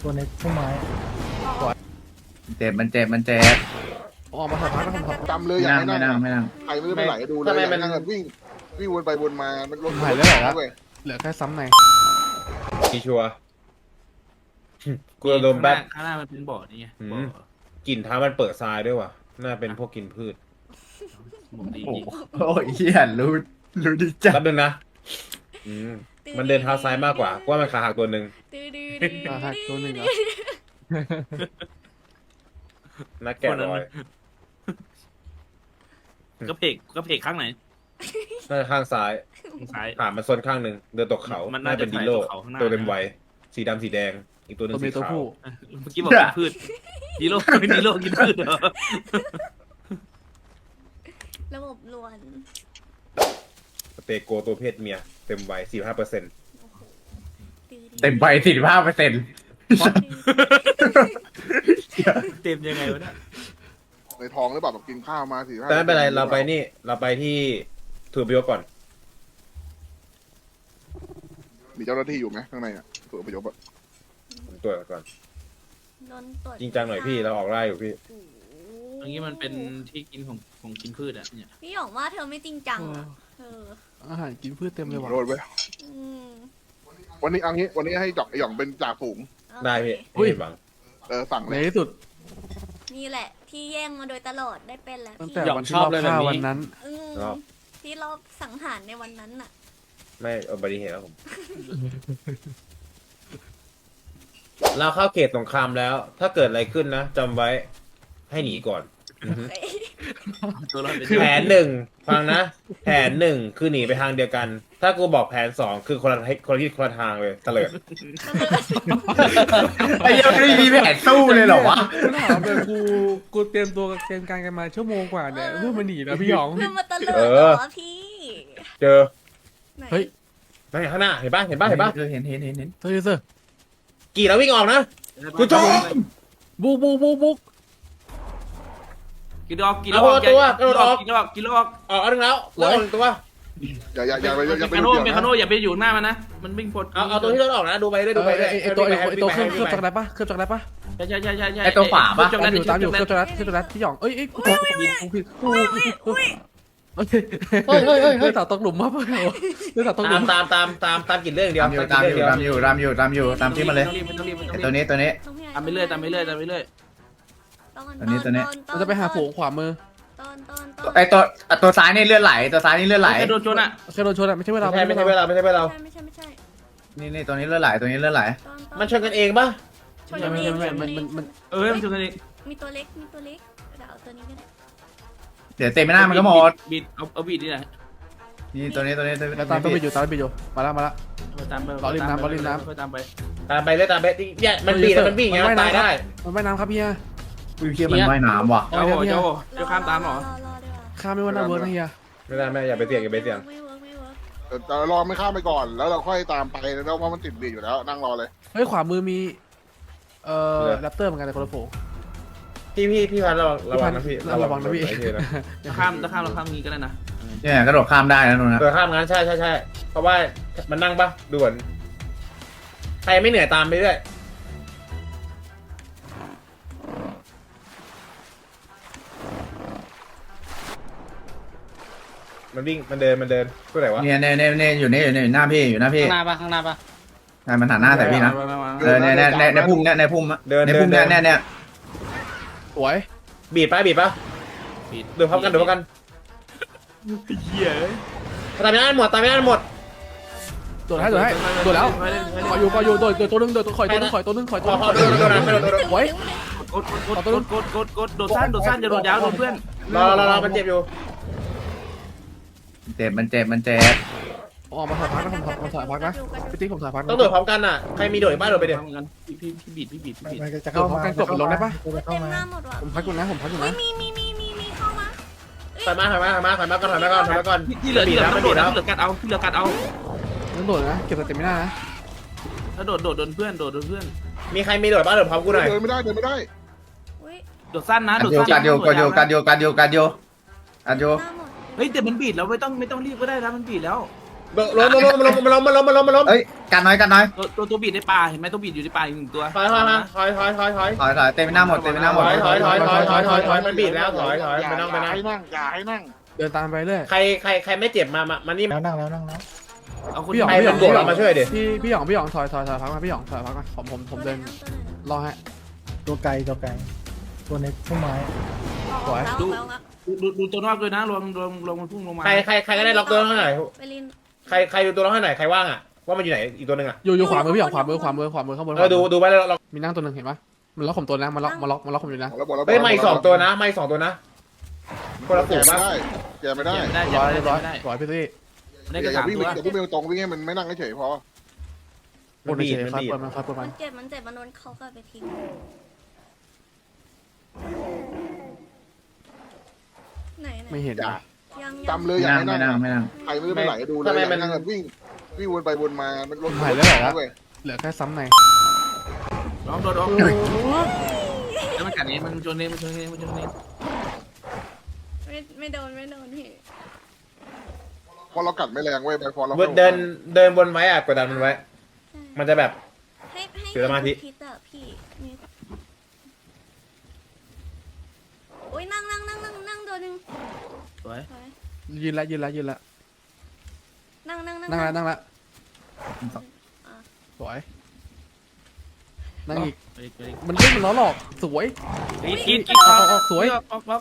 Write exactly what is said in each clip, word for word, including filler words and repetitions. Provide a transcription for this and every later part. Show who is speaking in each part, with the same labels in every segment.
Speaker 1: ตัวในพุ่มไม้
Speaker 2: เจ็บมันเจ็บมันเจ็บ
Speaker 3: ออกมาถอดพักแล้วผมถอด
Speaker 4: จำเลย
Speaker 2: ไม่
Speaker 4: อยาก
Speaker 2: นั่ง
Speaker 4: ให้
Speaker 2: ไม่
Speaker 4: นั่
Speaker 2: นั่
Speaker 4: ง
Speaker 2: งไม่นั่ง
Speaker 4: ใครไม่ได้ไปไหลดูเลย
Speaker 5: ทำไม
Speaker 4: อยาก
Speaker 5: มั
Speaker 4: ให้
Speaker 5: น
Speaker 4: นั่งกันวิ่งวิ่งวนไปวนมามันรถ
Speaker 3: หายแล้วเหรอครับ
Speaker 4: เว้ย
Speaker 3: เหลือแค่ซ้ำใน
Speaker 5: มีชัวร์กูโดนแป๊บ
Speaker 6: ข้างหน้ามันเป็นบ่อนี่ไง
Speaker 5: อืม
Speaker 6: บ่อก
Speaker 5: ลิ่นเท้ามันเปิดทรายด้วยว่ะ น่าเป็นพวกกินพืช
Speaker 6: ผมดี
Speaker 2: โอ้
Speaker 6: จริง
Speaker 2: โหเฮียรู้รู้ดีจัด
Speaker 5: แป๊บนึงนะอืมมันเดินเท้าซ้ายมากกว่ากูว่ามันขาหักตัวหนึ่ง
Speaker 7: ดื้อดื้อดื้อ
Speaker 3: อ่าหักตัวหนึ่งเหรอ
Speaker 5: นักแกะรอย
Speaker 6: กระเพกกระเพกข้างไหน
Speaker 5: น่าจะข้างซ้าย
Speaker 6: ข้างซ้าย
Speaker 5: ขามันซนข้างหนึ่งเดินตกเขา
Speaker 6: มัน
Speaker 5: น่า
Speaker 6: น่าจะ
Speaker 5: เป็นดิโล
Speaker 6: ถ่ายตกเขาข้างหน้า
Speaker 5: ตัวเต็มวัยสีดำสีแดง อีกตัวหนึ่
Speaker 3: ตัว
Speaker 5: ง
Speaker 3: เมี
Speaker 5: สี
Speaker 3: ยตัว
Speaker 5: ขาว
Speaker 3: ผู้
Speaker 6: เมื่อกี้บอกกินพืชดีโลดีโลกินพืชเหรอ
Speaker 7: ระบบลวน
Speaker 5: สเตโกตัวเพศเมียเต็มวัยสี่ห้าเปอร์เซ็นต์
Speaker 7: ดื้อดื้อ
Speaker 2: เต็มไปสี่สิบห้าเปอร์เซ็นต์
Speaker 6: เต็มยังไงวะเนี่ย
Speaker 4: ในท้องหรือเปล่าแบบกินข้าวมาสี่ห้า
Speaker 5: แต่ไม่เป็นไรเราไปนี่ เราไปที่ถือพิโยก่อน
Speaker 4: มีเจ้าหน้าที่อยู่ไหมข้างในอ่ะตัวประโยชน์อะ
Speaker 5: ผมตรวจก่อน
Speaker 7: โดนตรวจ
Speaker 5: จริงจังหน่อยพี่เราออกไล่อยู่พี่
Speaker 7: โอ้โห
Speaker 6: อันนี้มันเป็นที่กินของของกินพืชอ่ะเนี่ย
Speaker 7: พี่หยองว่าเธอไม่จริงจังอ่ะเออ
Speaker 3: อาหารกินพืชเต็มเลยว่ะ
Speaker 4: โทษเว้ย
Speaker 7: อืม
Speaker 4: วันนี้เอังนี้วันนี้ให้จอกไอหย่องเป็นจ่าฝูง
Speaker 7: โอเค
Speaker 5: ได้พี่ไม่ผิดหวัง
Speaker 4: เออสั่ง
Speaker 3: ใน
Speaker 4: เลย
Speaker 3: ที่สุด
Speaker 7: นี่แหละ ที่แย่งมาโดยตลอดได้เป็นแล้ว
Speaker 3: ตั้ง
Speaker 7: พี่
Speaker 3: แต่วันที่เราฆ่าวันนั้น
Speaker 7: อืมที่เราสังหารในวันนั้นน่ะ
Speaker 5: ไม่อุบัติเหตุแล้วผม เราเข้าเขตสงครามแล้ว ถ้าเกิดอะไรขึ้นนะจำไว้ให้หนีก่อนอือฮึ
Speaker 7: เฮ้ย
Speaker 6: ตัวเราเป็น
Speaker 5: แผนหนึ่งฟังนะ แผนหนึ่งคือหนีไปทางเดียวกัน ถ้ากูบอกแผนสองคือคนละทิศคนละทิศคนละทางเลยเตลิด
Speaker 2: ไอ้เหี้ยังไม่มีแผนสู้เลยเหรอวะ
Speaker 3: กูถามเลยกูกูเตรียมตัวเตรียมการกันมาชั่วโมงกว่าเนี่ยเพื่อมาหนีนะพี่หยอง
Speaker 7: เพื่อมาตะเลิดเหรอพี่
Speaker 5: เจอ
Speaker 7: ไหน
Speaker 3: เฮ้ย
Speaker 5: นั่นไงข้างหน้าเห็นปะเห็นปะเห็นปะ
Speaker 2: เห็นเห็นเห็นเห็น
Speaker 3: เธอเซอร์
Speaker 5: กี่แล้ววิ่งออกนะ กูชอบ
Speaker 3: บุกบุกบุกบุก
Speaker 6: กินดอกกินดอกกินดอกกินดอกกินดอกกินดอก
Speaker 5: ออกอันหนึงแล้วแล้วออกหนึ่งตัว
Speaker 4: อย่าอย่าอย่าไปอย่าไป
Speaker 6: เมคาโน
Speaker 4: ดู
Speaker 6: เมคาโนอย่าไปอยู่หน้ามันนะมันวิ่งพด
Speaker 5: เอาเอาตัวที่รถออกนะดูไปด้วยดูไปด้วย
Speaker 3: ไอไอตัวไอไอตัวเครื่องเค
Speaker 5: วิ่
Speaker 3: รื่อง
Speaker 5: ง
Speaker 3: จัก
Speaker 5: ไป
Speaker 3: รไรปะเครื่องจักรไรปะ
Speaker 6: ใช่ใช่ใช่ใช่ใช่
Speaker 2: ไอ้ตัวฝาปะ
Speaker 6: จักร
Speaker 3: ตาม
Speaker 6: แล
Speaker 3: อยู่ตามอยู่เค
Speaker 6: จั
Speaker 3: รื่อก ง
Speaker 6: ร
Speaker 3: จักรไรเครื่องจักรไรพี่หยองเอ้ยเอ้ยกูกูผิดกู
Speaker 7: อุ้ย
Speaker 3: ผิด
Speaker 7: อุ้ย
Speaker 3: โอเค
Speaker 5: เฮ้ยเฮ้ยเฮ้ย
Speaker 3: เฮ้ยต่อตกหลุมมาเปล่าเฮ้ยต่อตกหลุ
Speaker 5: ตาม
Speaker 3: ม
Speaker 5: ตามตามตามตามกินเรื่องเดียว
Speaker 2: ตามอยู่ตามอยู่ตามอยู่ตามอยู่ตามอยู่ตามที่มาเลย
Speaker 6: ต้องรีบต้องรีบ
Speaker 2: ไอ้ตัวนี้ตัวนี้
Speaker 6: ตามไปเรื่อยตามไปเรื่อยตามไปเรื่อย
Speaker 2: ตัวนี้ตัวนี้
Speaker 3: เราจะไปหาฝูงขวามือ
Speaker 7: ตอนตอนตอน
Speaker 2: ไอ้ตัวอ่ะตัวซ้ายนี่เลือดไหลตัวซ้ายนี่เลือดไหล
Speaker 6: ใครโดนชนอ่ะ
Speaker 3: เคยโดนชนอ่ะไม่ใช่เวลา
Speaker 5: ไม่ใช่ไม่ใช่เวลาไม่ใช่เวลา
Speaker 7: ไม่ใช่ไม่ใช่
Speaker 2: นี่นี่ตัวนี้เลือดไหลตัวนี้เลือดไหล
Speaker 7: ตอนตอน
Speaker 5: มันชนกันเองปะ
Speaker 7: ชนกันเองชนกัน
Speaker 3: มัน
Speaker 7: เอ
Speaker 3: มัน
Speaker 7: ง
Speaker 3: มัน
Speaker 6: เออมันชนกันเอง
Speaker 7: มีตัวเล็กมีตัวเล็กเดี๋ยวเอาตัวนี้ก็ได้
Speaker 2: เดี๋ยวเต็มไม่น่ามันก็หมด
Speaker 6: บีดเอาเอาบีดนี่แหละ
Speaker 2: นี่ตัวนี้ตัวนี้ตัวนี้
Speaker 3: แล้วตามต้องไปอยู่ตามไปอยู่มาแล้วมาแล้ว
Speaker 6: ตามไป
Speaker 3: รอริมน้ำรอริมน้ำ
Speaker 6: ตามไป
Speaker 5: ตามไปเลยตามไปเนี่ยมันบีบแล้วมันวิ่งอย่างเงี้ย
Speaker 3: มัน
Speaker 5: มัน
Speaker 3: ว่าย
Speaker 5: ตาย
Speaker 3: น้ำ
Speaker 5: ได้
Speaker 3: มันว่ายน้ำครับพี่ฮะ
Speaker 2: อุ้ยเชี่ยมันว่ายน้ำว่ะ
Speaker 6: เจ้าเจ้าเจ้าข้ามตามเหรอ
Speaker 7: รอรอดีกว่า
Speaker 3: ข้ามไม่ว่าน่าเวิร์กนะเฮีย
Speaker 5: ไม่ได้ไม่อย่าไปเสี่ยงอย่าไปเสี่ยง
Speaker 7: ไม่เวิร์กไม่เวิร์ก
Speaker 4: แต่แต่รอไม่ข้ามไปก่อนแล้วเราค่อยตามไปแล้วเพราะมันติดบีอยู่แล้วนั่งรอเลย
Speaker 3: เฮ้ยขวามือมีเอ่อแรปเตอร์เหมือนกันแต่คนละฝูง
Speaker 5: พี่พี่พี่พันระวังระวังนะพี่
Speaker 3: ระวังนะพี่
Speaker 5: ไอ้เหี้ยนะ
Speaker 6: จะข้ามจะข้ามเราข้ามงี้ก็ได้นะ
Speaker 2: เนี่ยกระโดดข้ามได้นะนู่นนะ
Speaker 5: เออข้ามงั้นใช่ใช่ใช่เพราะว่ามันนั่งปะด่วนใครไม่เหนื่อยตามไปเรื่อยมันวิ่งมันเดินมันเดินตัวไหนวะ
Speaker 2: เนี่ยเนี่ยเนี่ยเนี่ยอยู่นี่อยู่นี่อยู่หน้าพี่อยู่หน้าพี่
Speaker 6: ข้างหน้าปะข้างหน้าปะ
Speaker 2: ใช่มันหันหน้าใส่พี่นะเออเนี่ยเนี่ยเนี่ยในพุ่มเนี่ยในพุ่มอะในพุ่มเนี่ยเนี่ยเนี่ย
Speaker 3: สวย
Speaker 5: บีบปะบีบปะ
Speaker 6: บีด
Speaker 5: เดี๋ยวพร้อมกันเดี๋ยวพร้อมกัน
Speaker 6: เหี้ย
Speaker 5: ตามไม่ได้หมดตามไม่ได้หมด
Speaker 3: ตัวให้ตัวให้ตัวแล้วขออยู่ขออยู่ตัวตัวตัวนึงตัวข่อยตัวนึงข่อยตัวนึงข่อย
Speaker 5: พ
Speaker 3: ตัว
Speaker 5: อ
Speaker 3: นึง
Speaker 5: พอโดนโดนโดนโดนโดน
Speaker 3: ไว้
Speaker 6: กดกดกดกดกดกดโดดสั้นโดดสั้นอย่าโดดยาวโดนเพื่อน
Speaker 5: รอรอรอมันเจ็บอยู่
Speaker 2: เจ็บมันเจ็บมันเจ็บ
Speaker 3: ออกมาถอยพักนะผมถอยผมถอยพักนะพี่ติ๊กผมถอยพัก
Speaker 5: ต้องโดดพร้อมกันน่ะใครมีโดดบ้านโดดไปเดี๋ยว
Speaker 6: ทำกันพี่พี่พี่บีดพี่บีดพี่บีด
Speaker 1: จะเข้ามา
Speaker 7: เต็มหน้าหมดว่ะ
Speaker 3: ผมพักอยู่นะผมพักอยู่
Speaker 7: อุ้
Speaker 3: นะ
Speaker 7: ยมีมีมีมีมีเข้ามา
Speaker 5: ถอยมาถอยมาถอยมาถอยมาก่อนถอยมาก่อนถอยมาก่อน
Speaker 6: ที่เหลือที่เหลือมันโดดนะที่เหลือกัดเอาที่เหลือกัดเอา
Speaker 3: นั่นโดดนะเก็บสเต็มไม่ได้นะ
Speaker 6: ถ้าโดดโดดโดนเพื่อนโดดโดนเพื่อน
Speaker 5: มีใครมีโดดบ้านโดดพร้อมกูหน่อย
Speaker 4: เดินไม่ได้เดินไม่ได้
Speaker 7: อุ้ย
Speaker 6: โดดสั้นนะ
Speaker 2: กั
Speaker 6: โด
Speaker 2: ด
Speaker 6: ด
Speaker 2: โย
Speaker 6: สั้น
Speaker 2: กัดโยกัดโยกัดโยกัดโยกัดโยกัดโย
Speaker 7: หน้าหมด
Speaker 6: เฮ้ยแต่มันบีดแล้วไม่ต้องไม่ต้องรีบก็ได้นะมันบีดแล้ว
Speaker 5: ล้มล้มล้มล้มล้มล้มล้มล้มล้ม
Speaker 2: เอ้ยกันน้อยกันน้อย
Speaker 6: ตัวตัวตัวบีดในป่าเห็นไหมตัวบีดอยู่ในป่าอีกหนึ่งตัว
Speaker 5: ถอยถอยถอยถอยถอยถอย
Speaker 2: ถอยถอยเต็มไปหน้าหมดเต็มไปหน้าหมด
Speaker 5: ถอยถอยถอยถอยถอยถอยถอยมันบีบแล้วถอยถอย
Speaker 4: อย่า
Speaker 5: ไปนั่งไป
Speaker 4: อย่า
Speaker 5: นั่ง
Speaker 4: ให้นั่งอย่าให้นั่ง
Speaker 3: เดินตามไปเรื่อย
Speaker 5: ใครใครใครไม่เจ็บมามามานี่
Speaker 1: แล้วนั่งแล้วนั่งแล้ว
Speaker 6: เอาคน
Speaker 3: พี่หยอง
Speaker 5: ใคร
Speaker 3: พี่หย
Speaker 5: เป็
Speaker 3: อน ง
Speaker 5: โดดมาช่วยดิ
Speaker 3: พี่พี่หยองพี่หยองถอยถอยถอยพักมาพี่หยองถอยพักมาผมผมผมเดินรอให้
Speaker 1: ตัวไกลตัวไกลตัวในพุ่มไม้
Speaker 3: สวย
Speaker 7: แล้วแล้วแล้ว
Speaker 6: ดูดูดูตัวนอกด้วยนะรวมรวมรวมมันพุ่งลงมา
Speaker 5: ใครใครใครก็ได้ล็อกตัวให้หน่อย
Speaker 7: ไปลิน
Speaker 5: ใครใครดูตัวล็อกให้หน่อยใครว่างอ่ะว่ามันอยู่ไหนอีกตัวหนึ่งอ่ะ
Speaker 3: อยู่อยู่ขวามือพี่หยองขวามือขวามือขวามือข้างบน
Speaker 5: เออดูดูไปแล้วล็อก
Speaker 3: มีนั่งตัวหนึ่งเห็นปะมันล็อกผมตัวนะมันล็อกมันล็อกมันล็อกผมอยู่นะ
Speaker 4: หมดแล้วหมดแล้ว
Speaker 5: เฮ้ยไม่สองตัวนะไม่สองตัวนะคนละ
Speaker 4: แก
Speaker 5: ฝูง
Speaker 4: ไม่
Speaker 5: ปะ
Speaker 4: ได้แกไม่ได้
Speaker 6: ไม่ได้
Speaker 3: ร้อย
Speaker 6: ไม่
Speaker 3: ร้อย
Speaker 6: ได้
Speaker 3: ร้อยพี่ซี่
Speaker 6: ได้
Speaker 4: อ
Speaker 6: แค่
Speaker 4: ย่า
Speaker 6: สาม
Speaker 4: วิ่ง
Speaker 6: ตัว
Speaker 4: อย่าวิ่งตรงวิ่งให้มันไม่นั่งเฉยพอ
Speaker 3: โอ้ยเฉยครับเปิดมันครับเปิดมั
Speaker 7: มัน นเจ็บมันเจ็บมันโดนเขาก็ไปทิ้งไหนไหน
Speaker 3: ไม่เห็น
Speaker 4: อย่า
Speaker 3: อ่ะ
Speaker 7: ยัง
Speaker 4: จำเลย
Speaker 2: ไม่
Speaker 4: อย่า
Speaker 2: นั่ง
Speaker 4: ให้
Speaker 2: ไม่
Speaker 4: นั่
Speaker 2: นั่
Speaker 4: ง
Speaker 2: งไม่นั่ง
Speaker 4: ใครไม่ได้ไปไหนดูเลยอย่าให้นั่งแบบวิ่งวิ่งวนไปวนมามันรถเว้ย
Speaker 3: เหลือแค่ซ้ำใน
Speaker 6: ร้องโดนร้องแล้วมันกัดนี้มันชนนี้มันชนนี้มันชนนี้
Speaker 7: ไม่ไม่โดนไม่โดนพี่
Speaker 4: พอเรากัดไม่แรงเว้ยไปพอเรา
Speaker 5: เดินเดินบนไว้อ่ะกดดันมันไว้ มันจะแบบ
Speaker 7: ให้ให้
Speaker 5: ถือสมาธิ
Speaker 7: พิษอะพี่นี่โอ้ยนั่งนั่งนั่งนั่งนั่งตัวหนึ่ง
Speaker 6: สวย
Speaker 7: สวย
Speaker 3: ยืนละยืนละยืนละ
Speaker 7: นั่งนั่งนั่ง
Speaker 3: นั่งละนั่งละสวยนั่งอีก
Speaker 6: ไปไป
Speaker 3: มันเล่นมันล้อหลอกสวย
Speaker 6: กินกินกิน
Speaker 3: ออกออกสวย
Speaker 6: ออกออกออก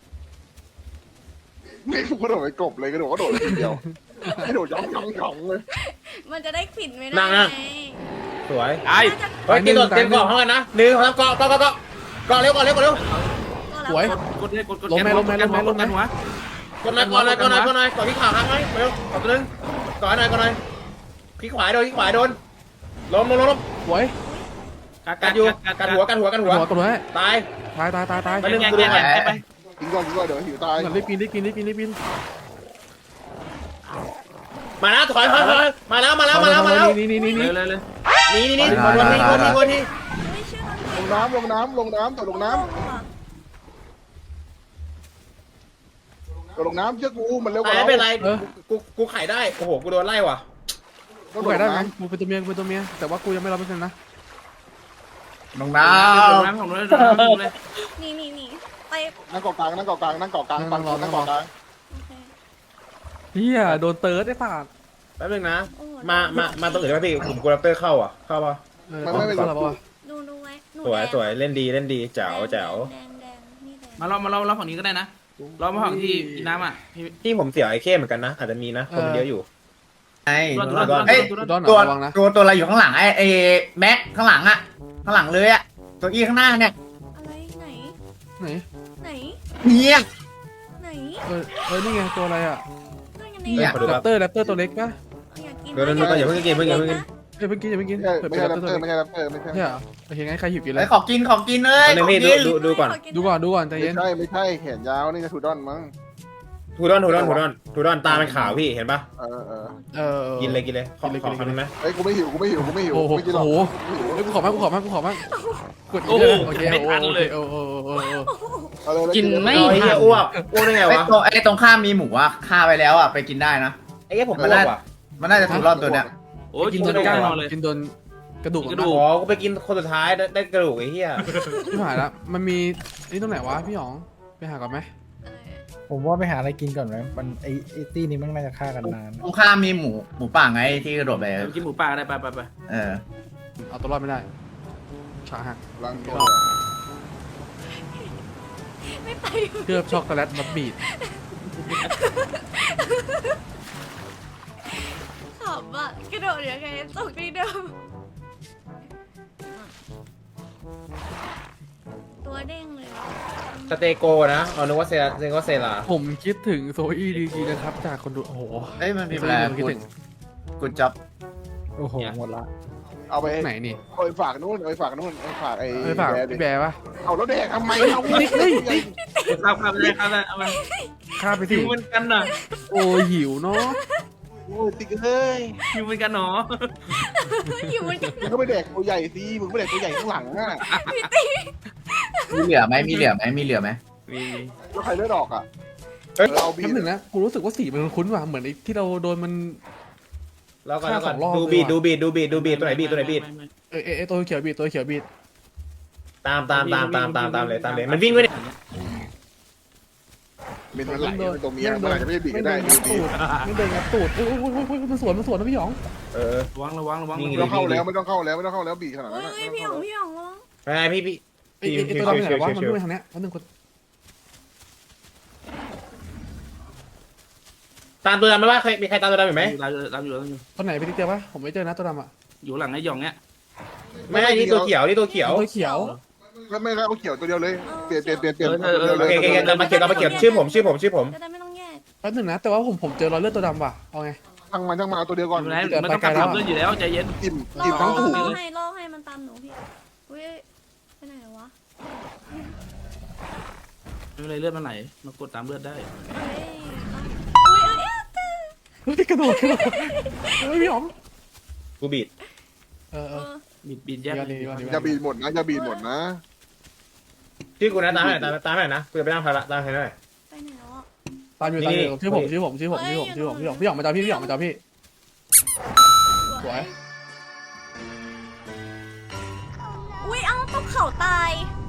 Speaker 4: ไม่กระโดดไปกบเลยกระโดดก็โดดทีเดียวกระโดดย่องย่องย่องเลย
Speaker 7: มันจะได้ผิดไม่ได้
Speaker 5: นั่งนั่ง
Speaker 7: ไ
Speaker 5: สวย
Speaker 6: ไอ้
Speaker 7: น่าจะ
Speaker 5: เฮ้ยตีตัวเต็มเกาะห้องกันนะหนึ่งสองเกาะเกาะเกาะเกาะเกาะเร็วเกาะเร็วเกาะเร็ว
Speaker 3: สวย
Speaker 6: กดเลยกดกด
Speaker 3: ลงไหมลงไหมลงไหมลงไหม
Speaker 6: หัว
Speaker 5: กดหน่อยกดหน่อยกดหน่อยกดหน่อยกดที่ขาค้างไว้เร็วกดตัวนึงกดหน่อยกดหน่อยขี้ขวาโดนขี้ขวาโดนล้มล้มล้ม
Speaker 3: สวย
Speaker 5: กัดอยู่กัดหัวกัดหัวกัดหัว
Speaker 3: หัวกระโดดให้
Speaker 5: ตาย
Speaker 3: ตายตายตายตาย
Speaker 5: ไปเรื่อง
Speaker 6: แย่
Speaker 5: กูดู
Speaker 6: แย่
Speaker 5: หน่อย
Speaker 6: แย่ไป
Speaker 4: กินก่อนกินก่อนเดี๋ยวหิวตาย
Speaker 3: รีบกินรีบกินรีบกินรีบกิน
Speaker 5: มาแล้วถอยถอยถอยมาแล้วมาแล้วมาแล้วมาแล้ว
Speaker 3: นี่นี่นี่นี่
Speaker 6: เลยเลยเลย
Speaker 5: นี่นี่นี่คนวนที่คนที่คนที่
Speaker 7: ไม่เชื่อ
Speaker 4: ลงน้ำลงน้ำลงน้ำตัวลงน้ำตัวลงน้ำเชื่อกูมันเร็วกว่า
Speaker 5: ไม่
Speaker 4: เรา
Speaker 5: เป็นไรกูกูไข่ได้โอ้โหกูโดนไล่ว่ะ
Speaker 3: กูไก่ได้ไหมกูเป็นตัวเมียกูเป็นตัวเมียแต่ว่ากูยังไม่รับเปอร์เซ็นต์นะ
Speaker 2: ลงน้
Speaker 6: น้ำของเลยน้ำเลย
Speaker 7: นี่นี่นี่ไป
Speaker 4: นั่งเกาะกลางนั่งเกาะกลางนั่งเกาะกลางปังนั่งเกาะกลาง
Speaker 7: โอเค
Speaker 3: เฮียโดนเติร์ดไอ้สัตว์
Speaker 5: แป๊บนึงนะมามามาตรงอื่นได้ไหมพี่ผมกูรับเตอร์เข้าอ่ะเข้าป่ะ
Speaker 3: ไม่ไม่ไม่หรอก
Speaker 7: ดูดูไว้หนู
Speaker 5: สวย
Speaker 7: แดง
Speaker 5: สวยเล่นดีเล่นดีแจ๋วแจ๋ว
Speaker 7: แดงแดงนี่แดง
Speaker 6: มาเรามาเราเราฝั่งนี้ก็ได้นะเรามาฝั่งที่กินน้ำอ่ะพี่
Speaker 5: ที่ผมเสียไอ้เข้เหมือนกันนะอาจจะมีนะคนมันเยอะอยู่
Speaker 2: ำไอ้
Speaker 6: ตัว
Speaker 5: ตัว
Speaker 2: เอ้ย
Speaker 3: ดอน
Speaker 2: ตัว
Speaker 3: ระวังนะ
Speaker 2: ตัวตัวอะไรอยู่ข้างหลังไอ้ไอ้แม็กข้างหลังอะข้างหลังเลยอะตัวอีข้างหน้าเนี่ย
Speaker 7: อะไรไหน
Speaker 3: ไหน
Speaker 7: ไหน
Speaker 2: เนี่ย
Speaker 7: ไหน
Speaker 3: เออเออนี่ไงตัวอะไรอ่ะ
Speaker 7: ตัวยังไง
Speaker 3: เนี่ย
Speaker 7: อะ
Speaker 3: แรปเตอร์แรปเตอร์ตัวเล็กปะ
Speaker 7: อยากกิน
Speaker 5: เดี๋ยวเดี๋ยวเดี๋ยวอย่าเพิ่งกินเพิ่งกินเพิ่งกิน
Speaker 3: เอ้ยเพิ่งกินอย่าเพิ่งกิน
Speaker 4: ไม่ใช่
Speaker 3: เปิด
Speaker 4: ไม่
Speaker 3: เป็น
Speaker 4: ใช่
Speaker 3: แรป
Speaker 4: แรป
Speaker 3: เตอร์
Speaker 4: เตอ
Speaker 3: ตัว
Speaker 4: ร์
Speaker 3: เล็ก
Speaker 4: ไม่ใช่แรปเตอร์ไม่ใช่
Speaker 3: ใช่เหรอโอเคงั้นใครหิวกินเล
Speaker 2: ไอ้
Speaker 3: ย
Speaker 2: ขอกินขอกินเลย
Speaker 5: อันนึงพี่
Speaker 2: ขอ
Speaker 5: ดู
Speaker 2: กิน
Speaker 5: ดูดูก่อน
Speaker 3: ดูก่อนดูก่อนใจ
Speaker 4: ไม่
Speaker 3: เย็น
Speaker 4: ใช่ไม่ใช่แขนยาวนี่จะทูดอนมั้ง
Speaker 5: ทูดอนทูดอนทูดอนทูดอนตาเป็นขาวพี่เห็นปะ
Speaker 4: เออเออ
Speaker 3: เออ
Speaker 5: กินเลยกินเลยขอขอคำนึงนะ
Speaker 4: เฮ้ยกูไม่หิวกูไม่หิวกูไม่หิว
Speaker 3: โอ้โห
Speaker 4: ไม่กินหรอก
Speaker 3: โอ้โหเฮ้ยกูขอมากกูขอมากกูขอมากกดโอเคโอเคโอ้โหโอ้โหโอ้โห
Speaker 4: เอาเลย
Speaker 6: กินไม่
Speaker 5: ไอ้เหี้ยอ้วกอ้วกได้ไง
Speaker 2: ไอ้
Speaker 5: วะ
Speaker 2: ตรงไอ้ตรงข้ามมีหมูอะฆ่าไปแล้วอะไปกินได้นะ
Speaker 5: ไอ้เหี้ยผมอ้วกว่ะ
Speaker 2: มันน่าจะถูกรอบตัวเนี้ย
Speaker 6: โอ้ย
Speaker 3: กิ
Speaker 6: กิ
Speaker 3: น
Speaker 6: น
Speaker 3: โด
Speaker 6: จ
Speaker 3: น
Speaker 6: น
Speaker 3: ก้า
Speaker 6: ก้าง งเลย
Speaker 3: กินโดนกระดูก
Speaker 6: กระดูก
Speaker 5: อ๋อกูไปกินคนสุดท้ายได้ได้กระดูกไอ้เหี้ย
Speaker 3: พี่หายละมันมีนี่ตรงไหนวะพี่หยองไปหาก่อนไหม
Speaker 1: ผมว่าไปหาอะไรกินก่อนไหมมันไอไอตี้นี้มันน่าจะฆ่ากันนาน
Speaker 2: ตรงข้ามมีหมูหมูป่าไงที่กระโดดไป
Speaker 6: กินหมูป่าได้ไปไปไป
Speaker 2: เออ
Speaker 3: เอาตัวรอดไม่ได้ขาหัก
Speaker 4: ลังตัว
Speaker 7: ไม่ไป
Speaker 3: เคลือบช็อกโกแลตบับบีด
Speaker 7: ขำอ่ะกระโดดยังไงตกที่เดิมตัวเด้งเลย
Speaker 5: สเตโกนะเอานึกว่าเซรานึกว่าเซรา
Speaker 3: ผมคิดถึงโซอี้ดีจีนะครับจากคนดูโอ้โห
Speaker 2: เอ้ยมันมีอะไร
Speaker 3: คิดถึง
Speaker 2: กูจ็อบ
Speaker 1: โอ้โหหมดละ
Speaker 4: เอาไป
Speaker 3: ไหนนี่
Speaker 4: เอาไปฝากนู่นเอาไปฝากนู่นเอาไปฝากไอ้
Speaker 3: ไปฝาก
Speaker 4: แบร์ดิ
Speaker 3: พี่แบร์ปะ
Speaker 4: เอาแล้วแดกทำไมเอา
Speaker 3: ติ๊กเฮ้ยติ๊ก
Speaker 6: ข้าวข้าวได้ข้าวได้เอามา
Speaker 3: ข้าไป
Speaker 6: หิ
Speaker 3: สิ
Speaker 6: วเหมือนกันน่ะ
Speaker 3: โอ้ยหิวเนาะ
Speaker 4: โอ้ยติ๊กเฮ้ย
Speaker 6: หิวเหมือนกันหนอ
Speaker 7: อยู่มัน
Speaker 4: มึงก็ไปแดกตัวใหญ่สิมึงก็ไปแดกตัวใหญ่ข้างหลังอ่ะ
Speaker 2: มีเหลือไหมมีเหลือไหมมีเหลือไหม
Speaker 6: มี
Speaker 4: แล้วใครเลือดออกอ่ะ
Speaker 2: เอ้ย
Speaker 4: เออเอาบี
Speaker 3: น้ำหนึ่งนะกูรู้สึกว่าสีมันคุ้นๆว่ะเหมือนไอ้ที่เราโดนมัน
Speaker 5: แล้วก่อน
Speaker 3: ฆ่า
Speaker 5: แล้วก่อน
Speaker 3: สองรอบ
Speaker 5: ดูบีด
Speaker 3: เลยว่ะ
Speaker 5: ดูบีดดูบีดดูบีดตัวไหนบีดตัวไหนบีด
Speaker 3: เอ้ยเอ้ยเอ้ยตัวเขียวบีดตัวเขียวบีด
Speaker 5: ตามตามตามตามตามตามเลยตามเลยมันวิ่งไปเนี่ย
Speaker 4: บินมันไหลเป็นตัวเมียเมื่อไหร่จะไม่ได้บีบก็ได้
Speaker 3: ไม่
Speaker 4: บี
Speaker 3: โดนงัดตูดไม่โดนงัดตูดโอ้ยโอ้ยโอ้ยโอ้ยมันสวนมันสวนนะพี่หยอง
Speaker 5: เออ
Speaker 6: ระวังระวังระวัง
Speaker 5: นี่
Speaker 4: ไม่ต้องเข้าแล้วไม่ต้องเข้าแล้วไม่ต้องเข้าแล้วบีบขนาด
Speaker 7: อุ้
Speaker 4: นั้น
Speaker 7: ยพี่หยองพี่หยองวะ
Speaker 5: ไงพี่พี่
Speaker 3: ไอ้ไอ้ไอ้ตัวดำไปไหนวะมันด้วยทางเนี้ยมันหนึ่งคน
Speaker 5: ตามตัวดำไหมว่าใครมีใครตามตัวดำอยู่ไหม
Speaker 6: เราเราอยู่เราอยู่
Speaker 3: คนไหนไปที่เจอปะผมไม่เจอนะตัวดำอ่ะ
Speaker 6: อยู่หลังไอ้หยองเนี้ย
Speaker 5: ไม่ใช่นี่ตัวเขียวนี่ตัวเขียว
Speaker 3: ตัวเขียว
Speaker 4: ไม่ไม่เอาเขียวตัวเดียวเลยเปลี่ยนเปลี่ยนเปลี่ยนเปลี่ยนตัวเดียว
Speaker 5: โอ
Speaker 4: เลย
Speaker 5: เคโอเคเรามาเก็บเรามาเก็บชื่อผมชื่อผมชื่อผม
Speaker 7: จะได้ไม่ต้องแยก
Speaker 3: แป๊บหนึงนะแต่ว่าผมผมเจอรอยเลือดตัวดำว่ะเอาไง
Speaker 4: ทั้งมันทั้งมาเอาตัวเดียวก่อน
Speaker 6: อยู่ไหนมันต้องกลับเพื่อนอยู่แล้วใจเย็น
Speaker 4: อิ่ม
Speaker 7: ล่อ
Speaker 4: อิ่มทั้งถูก
Speaker 7: ล่อให้ล่อให้มันตามหนูพี่อุ้ยไปไหนวะ
Speaker 6: ไม่เป็นไรเลือดมันไหลเรากดตามเลือดได้
Speaker 7: เฮ้ยอุ้ยเอ้ย
Speaker 3: เฮ้ยกระโดดขึ้นมาเฮ้ยพี่หยอง
Speaker 5: กูบีด
Speaker 3: เออเอ
Speaker 7: เอ
Speaker 3: อ
Speaker 7: อ
Speaker 6: บิดบิดแยก
Speaker 3: ดีกว่าดีกว่าดีกว่า
Speaker 4: อย่าบีบหมดนะอย่าบีบหมดนะ
Speaker 5: ชื่อกูนะตามให้หน่อยตามตามให้หน่อยนะกูจะไปนั่งพาระตามให้หน่อย
Speaker 7: ไปไหนแล้วอะ
Speaker 3: ตามอยู่ตามอยู่ชื่อผมชื่อผมชื่อผมชื่อผมชื่อผมพี่หยองพี่หยองมาจอพี่พี่หยองมาจอพี่ สวย
Speaker 7: อุ้ยเอาตกเข่าตาย